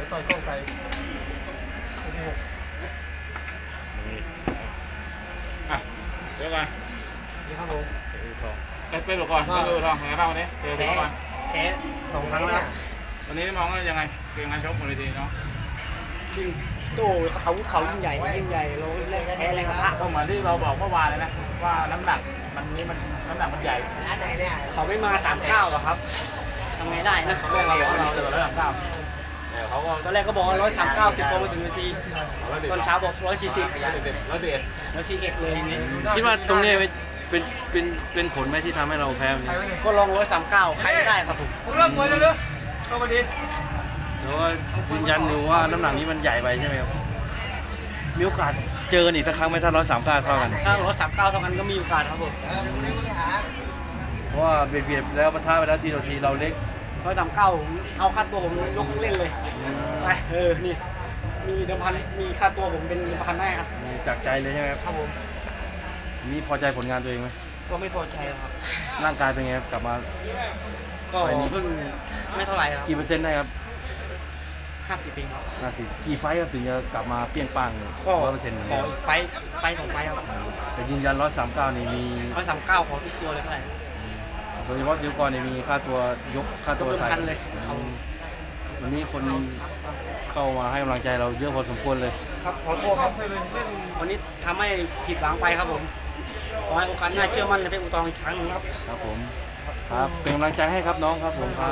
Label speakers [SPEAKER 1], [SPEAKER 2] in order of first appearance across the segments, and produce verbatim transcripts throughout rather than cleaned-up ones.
[SPEAKER 1] ต่อยกล้องไกล
[SPEAKER 2] อ่ะเดี๋ยวก่อน
[SPEAKER 1] นี่ครับผม
[SPEAKER 2] เอ้ยไปดูก่อนไปดูทองยังไงบ้างวันนี้เจอเจอก่อน
[SPEAKER 1] แพ้สองครั้งแล้ว
[SPEAKER 2] วันนี้มองว่ายังไงเกมการชกบนเวทีเนาะ
[SPEAKER 1] จริงโต้เขาเขายิ่งใหญ่ยิ่งใหญ่เราแรงแพ้แรงกระทะ
[SPEAKER 2] ก็เหมือนที่เราบอกเมื่อวานเลยนะว่าน้ำหนักมันนี้มันน้ำหนักมันใหญ่
[SPEAKER 1] เขาไม่มาสามเก้าหรอครับทำไงได้นะเขาบอกเรา
[SPEAKER 2] เรา
[SPEAKER 1] เรา
[SPEAKER 2] เจอแล้วสามเก้าแต่เขาก็
[SPEAKER 1] ตอนแรกก็บอกร้อยสามเก้าสิบพอมาถึงนาทีตอนเช้าบอกร้อยสี่สิบ
[SPEAKER 2] ร้อยสิบร้อยสิบเอ็ด
[SPEAKER 1] ร้อยสี่เอ็ดเลยนี่
[SPEAKER 3] คิดว่าตรงนี้เป็นเป็นเป็นผลไหมที่ทำให้เราแพ้วันนี้
[SPEAKER 1] ก็ลองร้อยสามเก้าใครไม่ได้ครับผม
[SPEAKER 2] ผมเริ่มมวยเลยเนอะเข้ามาดี
[SPEAKER 3] หรือว่ายืนยันอยู่ว่าน้ำหนักนี้มันใหญ่ไปใช่ไหมครับมีโอกาสเจอกันอีกสักครั้งไหมถ้าร้อยสามเก้าเท่ากัน
[SPEAKER 1] ถ้าร้อยสามเก้าเท่ากันก็มีโอกาสครับผม
[SPEAKER 3] เพราะว่าเบียดเบียดแล้วปะทะไปแล้วทีต่อทีเราเล็ก
[SPEAKER 1] ร้อยสามเก้าเอาค่าตัวผมยกเล่นเลยไปเออนี่มีเดิมพันมีค่าตัวผมเป็นเดิมพันได้ครับ
[SPEAKER 3] มีจากใจเลยใช่ไหมครับ
[SPEAKER 1] ครับผม
[SPEAKER 3] มีพอใจผลงานตัวเองไหม
[SPEAKER 1] ก็ไม่พอใจครับ
[SPEAKER 3] ร่างกายเป็นไงครับกลับมา
[SPEAKER 1] ก็เพิ่งไม่เท่าไหร่ครับ
[SPEAKER 3] กี่เปอร์เซ็นต์ได้ครับ
[SPEAKER 1] ห้าสิบเองครับ
[SPEAKER 3] ห้าสิบกี่ไฟต์ครับถึงจะกลับมาเปรี้ยงปัง
[SPEAKER 1] ก็
[SPEAKER 3] ร้อยเปอร์เซ็นต์เหมือน
[SPEAKER 1] ขอ
[SPEAKER 3] เดิม
[SPEAKER 1] อีกไฟท์ไฟท์สองไฟท์ครับ
[SPEAKER 3] แต่ยืนยันร้อยสามเก้านี่มี
[SPEAKER 1] ร้อยสามเก้าขอทุกตัวเลยเท่าไหร่
[SPEAKER 3] โดยเฉพาะซิลกรนี่มีค่าตัวยกค่าตัว
[SPEAKER 1] เดิม
[SPEAKER 3] ใส่
[SPEAKER 1] พันเลยครับ
[SPEAKER 3] วันนี้คนเข้ามาให้กำลังใจเราเยอะพอสมควรเลย
[SPEAKER 1] ครับขอโทษครับวันนี้ทำให้ผิดหวังไปครับผมขอให้โอกาสหน้าเชื่อมั่นในเพชรอุตองอีกครั้งหนึงครับ
[SPEAKER 3] ครับผมครับเป็นกำลังใจให้ครับน้องครับผมครับ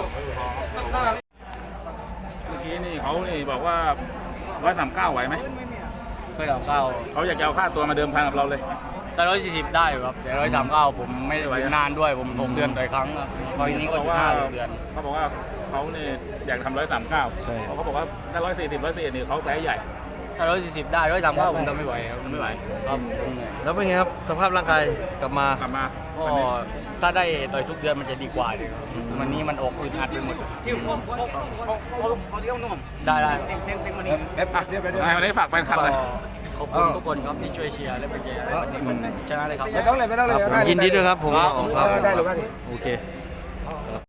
[SPEAKER 2] เมื่อกี้นี่เขานี่บอกว่าร้อยสามเก้าไหวไหม
[SPEAKER 4] ร้อยสามเก้า
[SPEAKER 2] เขาอยากจะเอาค่าตัวมาเดิมพันกับเราเลย
[SPEAKER 4] แต่ร้อยสี่สิบได้อยู่ครับแต่ร้อยสามเก้าผมไม่ได้ไหวนานด้วยผมหกเดือนต่อยครั้งครับคอยนี้ก็อยู่ห้าเดือน
[SPEAKER 2] เขาบอกว่าเขาเนี่ยอยากทำร้อยสามเก้าเขาก็บอกว่าถ้าร้อยสี่สิบร้อยสี่นี่เขาแพ้ใหญ่
[SPEAKER 4] ถ้าร้อยสี่สิบได้ร้อยสามเก้าผมทำไม่ไหวครับ
[SPEAKER 2] ทำไม่ไหว
[SPEAKER 4] ครับผมเหนื่อย
[SPEAKER 3] แล้วเป็นไงครับสภาพร่างกายกลับมาก
[SPEAKER 2] ลับมา
[SPEAKER 4] ก็ถ้าได้ต่อยทุกเดือนมันจะดีกว่าเลยครับวันนี้มันออกอึดอัดไปหมด
[SPEAKER 1] ที่ผมเขาเขาเขาเขาเลี้ยงนุ่ม
[SPEAKER 4] ได้ได้
[SPEAKER 1] เซ็งเซ็งเซ็งมานี่
[SPEAKER 2] อ่ะวันนี้ฝากแฟนคลับ
[SPEAKER 4] ก็
[SPEAKER 2] เลย
[SPEAKER 4] ขอบคุณทุกคนครับที่ช่วยเชียร์และเป็นใจให้วันนี้ชนะเลยครับ
[SPEAKER 5] ไม่ต้องเลยไม่ต้องเลยได้
[SPEAKER 3] ยินดีด้วยครับผม
[SPEAKER 4] ครับ
[SPEAKER 3] ครับ
[SPEAKER 5] ได้หรือไม่
[SPEAKER 3] โอเค